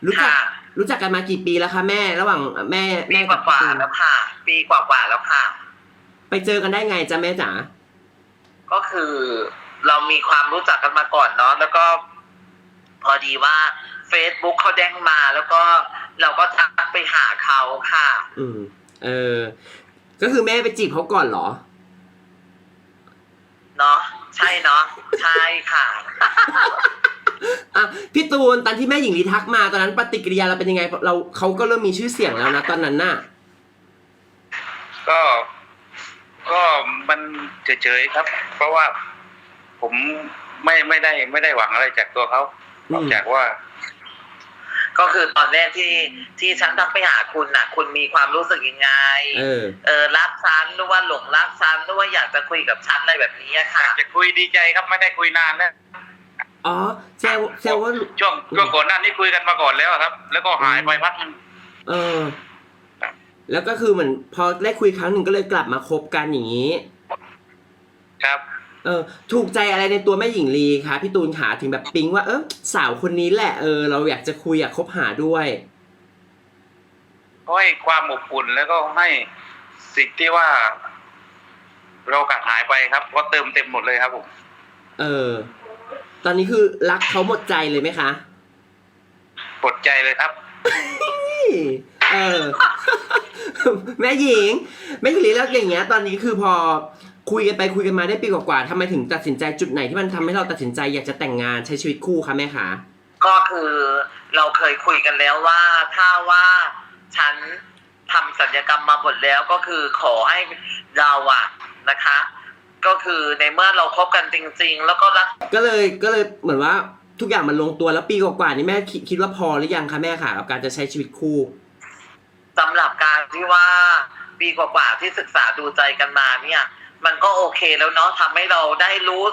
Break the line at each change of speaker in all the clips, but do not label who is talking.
รู้จัก
ค่ะ
รู้จักกันมากี่ปีแล้วคะแม่ระหว่างแม่
ปี
แม่
กว่า
กับพี่ตูน
ๆแล้วค่ะปีกว่าๆแล้วค่ะ
ไปเจอกันได้ไงจ๊ะแม่จ๋า
ก็คือเรามีความรู้จักกันมาก่อนเนาะแล้วก็พอดีว่า Facebook เขาแจ้งมาแล้วก็เราก็ทักไปหาเขาค่ะ
อืมเออก็คือแม่ไปจีบเขาก่อนเหรอ
เนาะใช่เนาะใช่ค่ะ
อ่ะพี่ตูนตอนที่แม่หญิงลีทักมาตอนนั้นปฏิกิริยาเราเป็นยังไงเราเขาก็เริ่มมีชื่อเสียงแล้วนะตอนนั้นน่ะ
ก็ก็มันเฉยๆครับ เพราะว่าผมไม่ได้หวังอะไรจากตัวเขานอกจากว่า
ก็คือตอนแรกที่ฉันทักไปหาคุณน่ะ คุณมีความรู้สึกยังไงรักฉันหรือว่าหลงรักฉันหรือว่าอยากจะคุยกับฉันอะไรแบบนี้อะค่ะ
จะคุยดีใจครับไม่ได้คุยนานแล้ว
อ๋อแซวว่า
ช่วงก่อนหน้านี้คุยกันมาก่อนแล้วครับ แล้วก็หายไปพักนึง
เออแล้วก็คือเหมือนพอได้คุยครั้งหนึ่งก็เลยกลับมาคบกันอย่างนี้
ครับ
ถูกใจอะไรในตัวแม่หญิงลีคะพี่ตูนขาถึงแบบปิ๊งว่าสาวคนนี้แหละเราอยากจะคุยอยากคบหาด้วย
ก็ให้ความอบอุ่นแล้วก็ให้สิ่งที่ว่าเราขาดหายไปครับก็เติมเต็มหมดเลยครับผม
เออตอนนี้คือรักเขาหมดใจเลยไหมคะ
ปวดใจเลยครับ
เออแม่หญิงลีแล้วอย่างเงี้ยตอนนี้คือพอคุยกันไปคุยกันมาได้ปีกว่าๆทำไมถึงตัดสินใจจุดไหนที่มันทำให้เราตัดสินใจอยากจะแต่งงานใช้ชีวิตคู่คะแม่คะ
ก็คือเราเคยคุยกันแล้วว่าถ้าว่าฉันทำศัลยกรรมมาหมดแล้วก็คือขอให้เราอะนะคะ ก็คือในเมื่อเราคบกันจริงๆแล้วก็รัก
ก็เลยเหมือนว่าทุกอย่างมันลงตัวแล้วปีกว่าๆนี่แม่คิดว่าพอหรือยังคะแม่ค่ะกับการจะใช้ชีวิตคู่
สำหรับการที่ว่าปีกว่าๆที่ศึกษาดูใจกันมาเนี่ยมันก็โอเคแล้วเนาะทำให้เราได้รู้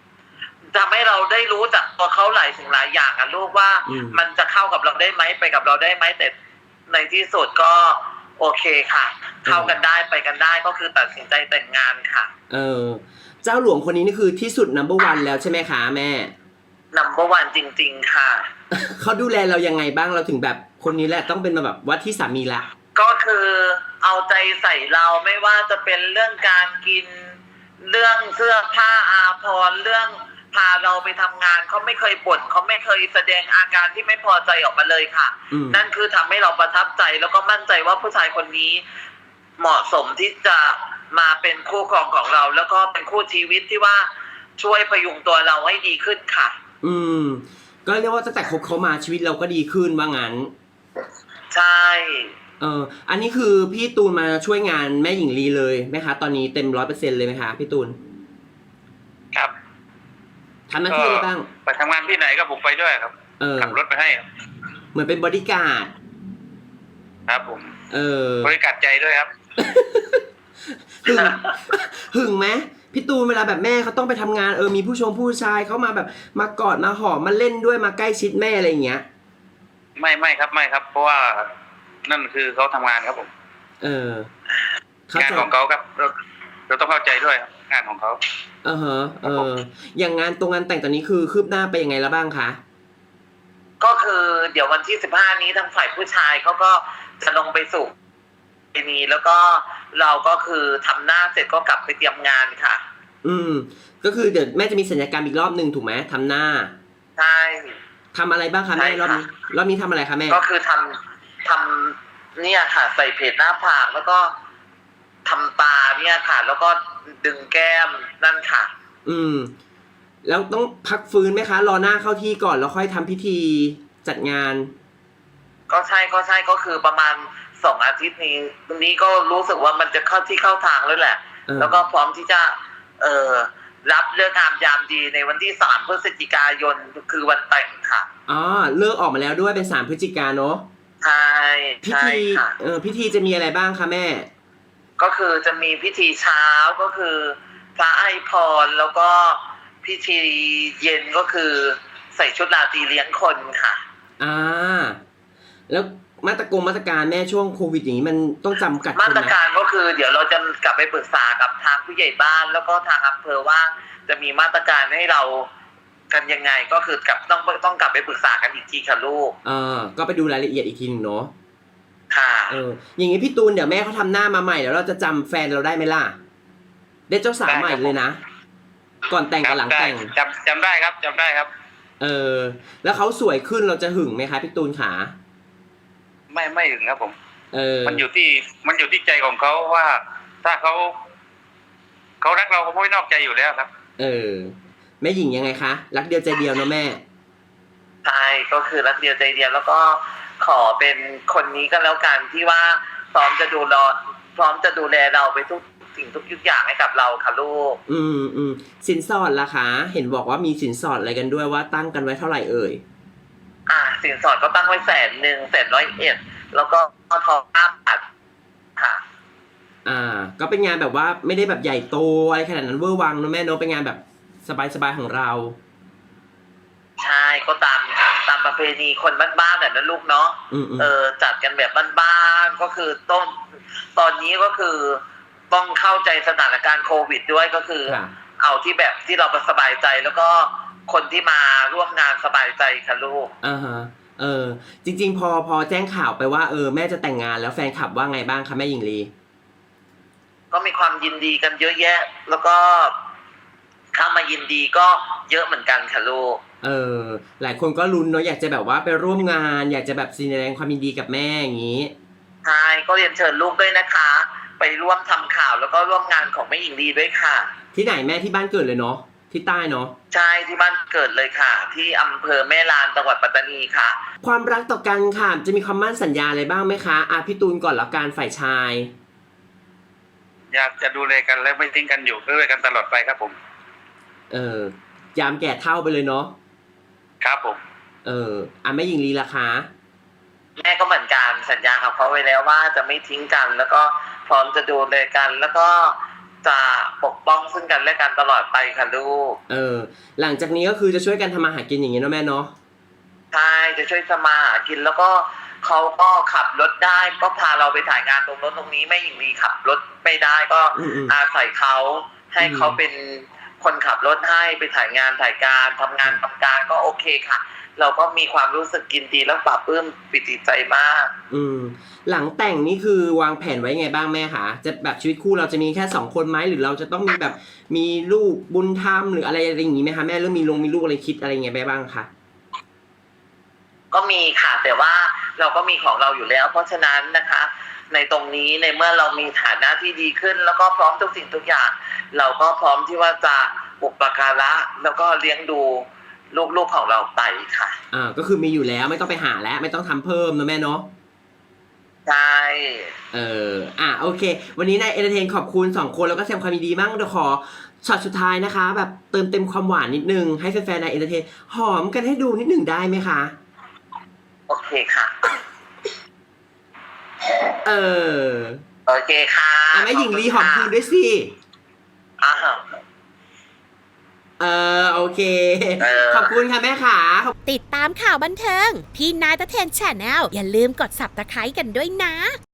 จากตัวเขาหลายสิ่งหลายอย่างอะลูกว่ามันจะเข้ากับเราได้ไหมไปกับเราได้ไหมแต่ในที่สุดก็โอเคค่ะเข้ากันได้ไปกันได้ก็คือตัดสินใจแต่งงานค่ะ
เจ้าหลวงคนนี้นี่คือที่สุด number one แล้วใช่ไหมคะแม่
number one จริงๆค่ะ
เขาดูแลเรายังไงบ้างเราถึงแบบคนนี้แหละต้องเป็นแบบว่าที่สามีละ
ก็คือเอาใจใส่เราไม่ว่าจะเป็นเรื่องการกินเรื่องเสื้อผ้าอาภรณ์เรื่องพาเราไปทำงานเขาไม่เคยบ่นเขาไม่เคยแสดงอาการที่ไม่พอใจออกมาเลยค่ะนั่นคือทำให้เราประทับใจแล้วก็มั่นใจว่าผู้ชายคนนี้เหมาะสมที่จะมาเป็นคู่ครองของเราแล้วก็เป็นคู่ชีวิตที่ว่าช่วยพยุงตัวเราให้ดีขึ้นค่ะ
ก็เรียกว่าตั้งแต่คบเขามาชีวิตเราก็ดีขึ้นว่างั้น
ใช่
อันนี้คือพี่ตูนมาช่วยงานแม่หญิงลีเลยไหมคะตอนนี้เต็ม100%เลยไหมคะพี่ตูน
ครับ
ทำหน้าที่อะไรบ้าง
ไปทำงานที่ไหนก็ผมไปด้วยครับขับรถไปให้
เหมือนเป็นบอดี้การ์ด
ครับผมบริการใจด้วยครับ
หึงไหมพี่ตูนเวลาแบบแม่เขาต้องไปทำงานมีผู้ชายเขามาแบบมากอดมาหอมมาเล่นด้วยมาใกล้ชิดแม่อะไรอย่างเงี้ย
ไม่ครับเพราะว่านั่นคือเขาทำงานครับผม
ง
านของเขาครับเราต้องเข้าใจด้วยงานของเขา
อย่างงานตรงงานแต่งตอนนี้คือคืบหน้าไปยังไงแล้วบ้างคะ
ก็คือเดี๋ยววันที่15นี้ทางฝ่ายผู้ชายเขาก็จะลงไปสู่นี้แล้วก็เราก็คือทำหน้าเสร็จก็กลับไปเตรียมงานค่ะ
ก็คือเดี๋ยวแม่จะมีศัลยกรรมอีกรอบนึงถูกไหมทำหน้า
ใช่
ทำอะไรบ้างคะแม่รอบนี้ทำอะไรคะแม่
ก็คือทำเนี่ยค่ะใส่เพจหน้าผากแล้วก็ทำตาเนี่ยค่ะแล้วก็ดึงแก้มนั่นค่ะ
แล้วต้องพักฟื้นไหมคะรอหน้าเข้าที่ก่อนแล้วค่อยทำพิธีจัดงาน
ก็ใช่ก็คือประมาณ2 อาทิตย์นี้ตรงนี้ก็รู้สึกว่ามันจะเข้าที่เข้าทางแล้วแหละแล้วก็พร้อมที่จะรับเลิกงามยามดีในวันที่3 พฤศจิกายนคือวันแต่งค่ะ
เลิกออกมาแล้วด้วยเป็น3 พฤศจิกายนเนาะ
ใช่
พิธีพิธีจะมีอะไรบ้างคะแม่
ก็คือจะมีพิธีเช้าก็คือพระให้พรแล้วก็พิธีเย็นก็คือใส่ชุดราตรีเลี้ยงคนค่ะ
แล้วมาตรการแม่ช่วงโควิดอย่างนี้มันต้องจำกัด
มาตรการก็คือเดี๋ยวเราจะกลับไปปรึกษากับทางผู้ใหญ่บ้านแล้วก็ทางอำเภอว่าจะมีมาตรการให้เรากันยังไงก็คือกลับต้องกลับไปปรึกษากันอีกทีค่ะลูก
ก็ไปดูรายละเอียดอีกทีหนึงเนาะ
ค่ะ
อย่างงี้พี่ตูนเดี๋ยวแม่เขาทำหน้ามาใหม่แล้วเราจะจำแฟนเราได้ไหมล่ะได้เจ้าสาวใหม่เลยนะก่อนแต่งกับหลังแต่ง
จำได้ครับจำได้ครับ
แล้วเขาสวยขึ้นเราจะหึงไหมคะพี่ตูนขา
ไม่ถึงครับผม มันอยู่ที่ใจของเขาว่า ถ้าเขารักเราเขาไม่นอกใจอยู่แล้วครับ
แม่หญิงยังไงคะรักเดียวใจเดียวเนาะแม่
ใช่ก็คือรักเดียวใจเดียวแล้วก็ขอเป็นคนนี้ก็แล้วกันที่ว่าพร้อมจะดูแลเราไปทุกสิ่งทุกอย่างให้กับเราค่ะลูก
สินสอดล่ะคะเห็นบอกว่ามีสินสอดอะไรกันด้วยว่าตั้งกันไว้เท่าไหร่เอ่ย
สินสอดก็ตั้งไว้100,000 แล้วก็ทอง5 บาทค่ะ
ก็เป็นงานแบบว่าไม่ได้แบบใหญ่โตอะไรขนาดนั้นเวอร์วังเนอะแม่เนอะเป็นงานแบบสบายๆของเรา
ใช่ก็ตามประเพณีคนบ้านๆนะลูกเนาะจัดกันแบบบ้านๆก็คือตอนนี้ก็คือต้องเข้าใจสถานการณ์โควิดด้วยก็คือเอาที่แบบที่เราสบายใจแล้วก็คนที่มาร่วมงานสบายใจค่ะลูก
จริงๆพอแจ้งข่าวไปว่าแม่จะแต่งงานแล้วแฟนคลับว่าไงบ้างคะแม่หญิงลี
ก็มีความยินดีกันเยอะแยะแล้วก็เข้ามายินดีก็เยอะเหมือนกันค่ะลูก
หลายคนก็ลุ้นเนาะอยากจะแบบว่าไปร่วมงานอยากจะแบบแสดงความยินดีกับแม่อย่างนี้
ใช่ก็เรียนเชิญลูกด้วยนะคะไปร่วมทำข่าวแล้วก็ร่วมงานของแม่หญิงลีด้วยค่ะ
ที่ไหนแม่ที่บ้านเกิดเลยเนาะที่ใต้เนาะ
ใช่ที่บ้านเกิดเลยค่ะที่อำเภอแม่ลานจังหวัดปัตตานีค่ะ
ความรักต่อกันค่ะจะมีความมั่นสัญญาอะไรบ้างไหมคะพี่ตูนก่อนละกันฝ่ายชาย
อยากจะดูแลกันและไม่ทิ้งกันอยู่ด้วยกันตลอดไปครับผม
ยามแก่เฒ่าไปเลยเนาะ
ครับผม
แม่หญิงลีล่ะคะ
แม่ก็เหมือนกันสัญญากับเขาไว้แล้วว่าจะไม่ทิ้งกันแล้วก็พร้อมจะดูแลกันแล้วก็จะปกป้องซึ่งกันและกันตลอดไปค่ะลูก
หลังจากนี้ก็คือจะช่วยกันทำมาหากินอย่างนี้เนาะแม่เนาะ
ใช่จะช่วยทำมาหากินแล้วก็เขาก็ขับรถได้ก็พาเราไปถ่ายงานตรงโน้นตรงนี้แม่หญิงลีขับรถไม่ได้ก็อาศัยเขาให้เขาเป็นคนขับรถให้ไปถ่ายงานถ่ายการทำงานทำการก็โอเคค่ะเราก็มีความรู้สึกยินดีและปลาบปลื้มปิติใจมาก
หลังแต่งนี่คือวางแผนไว้ไงบ้างแม่คะจะแบบชีวิตคู่เราจะมีแค่2 คนไหมหรือเราจะต้องมีแบบมีลูกบุญธรรมหรืออะไรอย่างนี้ไหมคะแม่เริ่มมีลูกอะไรคิดอะไรไงบ้างคะ
ก็มีค่ะแต่ว่าเราก็มีของเราอยู่แล้วเพราะฉะนั้นนะคะในตรงนี้ในเมื่อเรามีฐานะที่ดีขึ้นแล้วก็พร้อมทุกสิ่งทุกอย่างเราก็พร้อมที่ว่าจะอุปการะแล้วก็เลี้ยงดูลูกของเราไปค่ะ
ก็คือมีอยู่แล้วไม่ต้องไปหาแล้วไม่ต้องทำเพิ่มนะแม่เนาะ
ใช่
โอเควันนี้นายเอนเตอร์เทนขอบคุณ2 คนแล้วก็แสดงความยินดีมากเดี๋ยวขอช็อตสุดท้ายนะคะแบบเติมเต็มความหวานนิดนึงให้แฟนๆนายเอนเตอร์เทนหอมกันให้ดูนิดนึงได้ไหมคะ
โอเคค่ะโอเคค่ะ
แม่หญิงลีหอมคืนด้วยสิโอเคขอบคุณค่ะแม่ขา
ติดตามข่าวบันเทิงพี่นายตะเทนแชนแนลอย่าลืมกด Subscribe กันด้วยนะ